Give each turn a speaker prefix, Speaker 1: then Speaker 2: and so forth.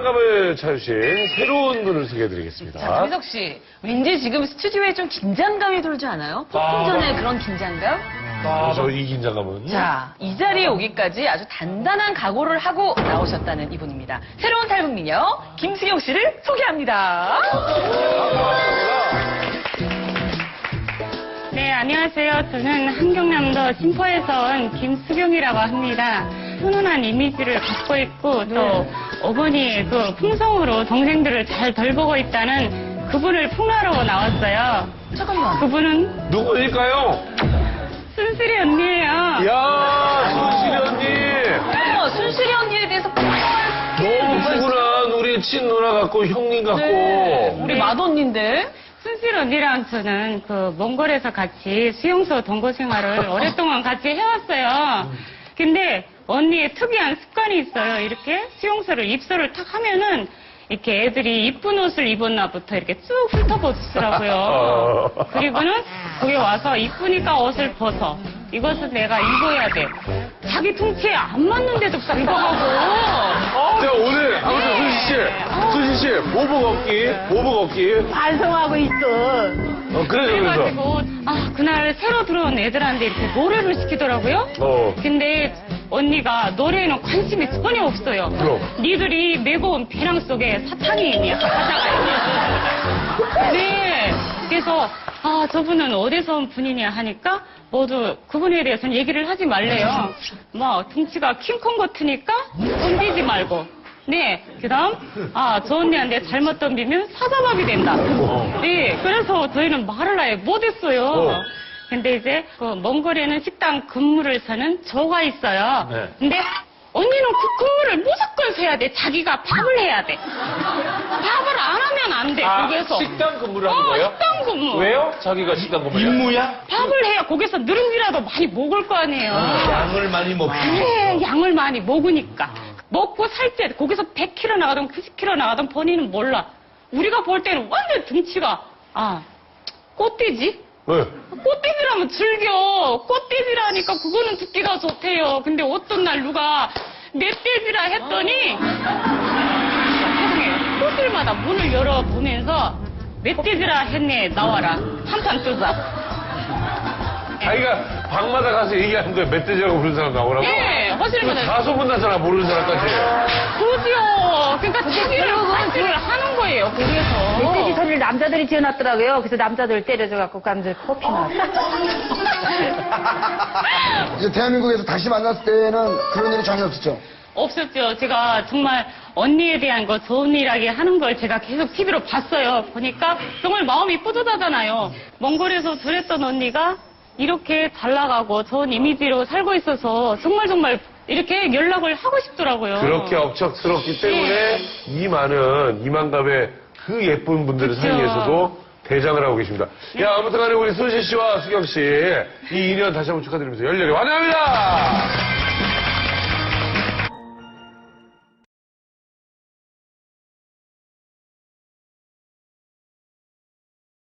Speaker 1: 이만감을 찾으신 새로운 분을 소개해드리겠습니다.
Speaker 2: 자, 장희석 씨, 왠지 지금 스튜디오에 좀 긴장감이 돌지 않아요? 폭풍 전에 그런 긴장감?
Speaker 1: 그래서 이 긴장감은.
Speaker 2: 자, 이 자리에 오기까지 아주 단단한 각오를 하고 나오셨다는 이분입니다. 새로운 탈북 미녀 김수경 씨를 소개합니다.
Speaker 3: 네, 안녕하세요. 저는 한경남도 신포에서 온 김수경이라고 합니다. 훈훈한 이미지를 갖고 있고 또 어머니의 그 품성으로 동생들을 잘 돌보고 있다는 그분을 풍화하러 나왔어요.
Speaker 2: 잠깐만.
Speaker 3: 그분은
Speaker 1: 누구일까요?
Speaker 3: 순실이 언니예요.
Speaker 1: 이야, 순실이 언니.
Speaker 2: 어머, 순실이 언니에 대해서
Speaker 1: 너무 푸근한 우리 친누나 같고 형님 같고.
Speaker 2: 네, 우리 맏언니인데.
Speaker 3: 순실 언니랑 저는 그 몽골에서 같이 수용소 동거 생활을 오랫동안 같이 해왔어요. 근데 언니의 특이한 습관이 있어요. 이렇게 수용소를 입소를 탁 하면은 이렇게 애들이 이쁜 옷을 입었나부터 이렇게 쭉 훑어보시더라고요. 그리고는 거기 와서 이쁘니까 옷을 벗어. 이것은 내가 입어야 돼. 자기 통치에 안 맞는데도 딱 입어가고.
Speaker 1: 자, 오늘 아무튼 순실 씨, 보복 걷기.
Speaker 4: 반성하고 있어.
Speaker 1: 그래서.
Speaker 3: 그래가지고 그날 새로 들어온 애들한테 이렇게 노래를 시키더라고요. 근데 언니가 노래에는 관심이 전혀 없어요.
Speaker 1: 그럼.
Speaker 3: 니들이 메고 온 배낭 속에 사탕이 있니? 가자가 있니? 네. 그래서 저분은 어디서 온 분이냐 하니까 모두 그분에 대해서는 얘기를 하지 말래요. 뭐 덩치가 킹콩 같으니까 덤비지 말고. 네. 그다음 저 언니한테 잘못 덤비면 사자밥이 된다. 네. 그래서 저희는 말을 아예 못했어요. 근데 이제 그 몽골에는 식당 근무를 서는 조가 있어요.
Speaker 1: 네.
Speaker 3: 근데 언니는 그 근무를 무조건 서야 돼. 자기가 밥을 해야 돼. 밥을 안 하면 안 돼. 거기서.
Speaker 1: 식당 근무를 하는 거예요?
Speaker 3: 식당 근무.
Speaker 1: 왜요? 자기가 식당 근무를.
Speaker 5: 임무야?
Speaker 3: 밥을 해야 거기서 누룽지라도 많이 먹을 거 아니에요.
Speaker 5: 양을 많이 먹고.
Speaker 3: 네, 양을 많이 먹으니까. 먹고 살 때 거기서 100kg 나가든 90kg 나가든 본인은 몰라. 우리가 볼 때는 완전 등치가 꽃돼지?
Speaker 1: 네.
Speaker 3: 꽃띠지라면 즐겨. 꽃띠지라니까 그거는 듣기가 좋대요. 근데 어떤 날 누가 멧돼지라 했더니 세상에 호텔마다 문을 열어보면서 멧돼지라 했네 나와라. 한판 뜨자.
Speaker 1: 자기가 방마다 가서 얘기하는 거예요. 멧돼지라고 부르는 사람 나오라고?
Speaker 3: 네, 허실마다.
Speaker 1: 다 소문나잖아, 모르는 사람까지.
Speaker 3: 그러지요. 그러니까 자기를 관리를 하는 거예요, 거기에서.
Speaker 4: 멧돼지 소리를 남자들이 지어놨더라고요. 그래서 남자들 때려줘갖고 남자들 커피 나왔어.
Speaker 6: 이제 대한민국에서 다시 만났을 때는 그런 일이 전혀 없었죠?
Speaker 3: 없었죠. 제가 정말 언니에 대한 거 좋은 일하게 하는 걸 제가 계속 TV로 봤어요. 보니까 정말 마음이 뿌듯하잖아요. 몽골에서 둘했던 언니가 이렇게 잘 나가고 좋은 이미지로 살고 있어서 정말 이렇게 연락을 하고 싶더라고요.
Speaker 1: 그렇게 억척스럽기 때문에 이 많은 이만갑의 그 예쁜 분들
Speaker 3: 그쵸.
Speaker 1: 사이에서도 대장을 하고 계십니다. 야, 아무튼 간에 우리 순실 씨와 수경 씨, 이 인연 다시 한번 축하드리면서 열렬히 환영합니다!